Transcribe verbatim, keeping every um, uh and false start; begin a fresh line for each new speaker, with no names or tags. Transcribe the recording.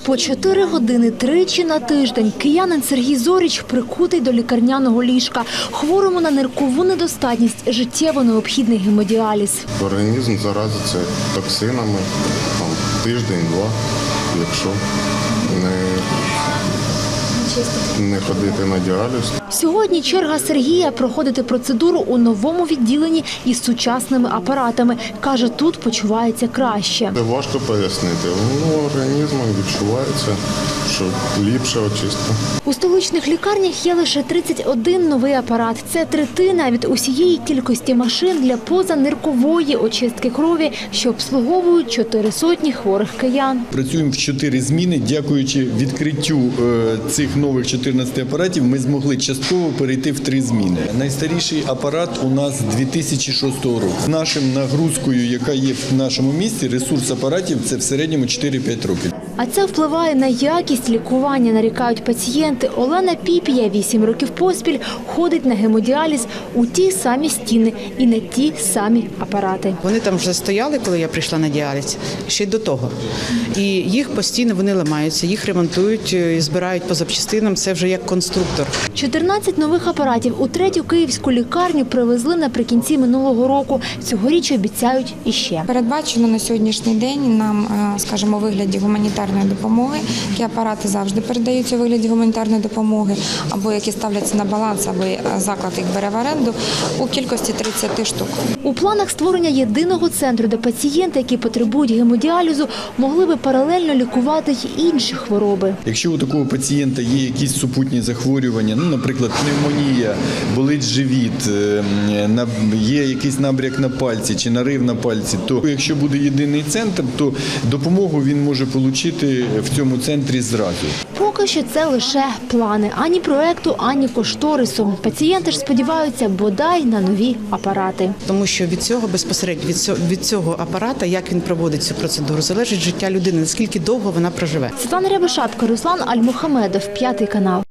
По чотири години тричі на тиждень киянин Сергій Зоріч прикутий до лікарняного ліжка. Хворому на ниркову недостатність життєво необхідний гемодіаліз.
Організм заразиться токсинами там, тиждень-два, якщо не, не ходити на діаліз.
Сьогодні черга Сергія проходити процедуру у новому відділенні із сучасними апаратами. Каже, тут почувається краще.
Це важко пояснити. Ну, організмом відчувається, що ліпше очистка.
У столичних лікарнях є лише тридцять один новий апарат. Це третина від усієї кількості машин для позаниркової очистки крові, що обслуговують чотири сотні хворих киян.
Працюємо в чотири зміни. Дякуючи відкриттю цих нових чотирнадцяти апаратів, ми змогли частково перейти в три зміни. Найстаріший апарат у нас дві тисячі шостого року. З нашим нагрузкою, яка є в нашому місті, ресурс апаратів – це в середньому чотири-п'ять років.
А це впливає на якість лікування, нарікають пацієнти. Олена Піпія вісім років поспіль ходить на гемодіаліз у ті самі стіни і на ті самі апарати.
Вони там вже стояли, коли я прийшла на діаліз, ще й до того. І їх постійно вони ламаються, їх ремонтують, і збирають по запчастинам, це вже як конструктор.
чотирнадцять нових апаратів у третю київську лікарню привезли наприкінці минулого року. Цьогоріч обіцяють іще.
Передбачено на сьогоднішній день нам, скажімо, у вигляді гуманітарної допомоги, які апарати завжди передаються у вигляді гуманітарної допомоги, або які ставляться на баланс, або заклад їх бере в оренду, у кількості тридцять штук.
У планах створення єдиного центру, де пацієнти, які потребують гемодіалізу, могли би паралельно лікувати й інші хвороби.
Якщо у такого пацієнта є якісь супутні захворювання, ну, наприклад, пневмонія, болить живіт, є якийсь набряк на пальці чи нарив на пальці, то якщо буде єдиний центр, то допомогу він може отримати в цьому центрі зразу.
Поки що це лише плани. Ані проекту, ані кошторису. Пацієнти ж сподіваються бодай на нові апарати.
Тому що від цього безпосередньо, від цього, від цього апарата, як він проводить цю процедуру, залежить життя людини, наскільки довго вона проживе.
Світлана Рябошапка, Руслан Альмухамедов, П'ятий канал.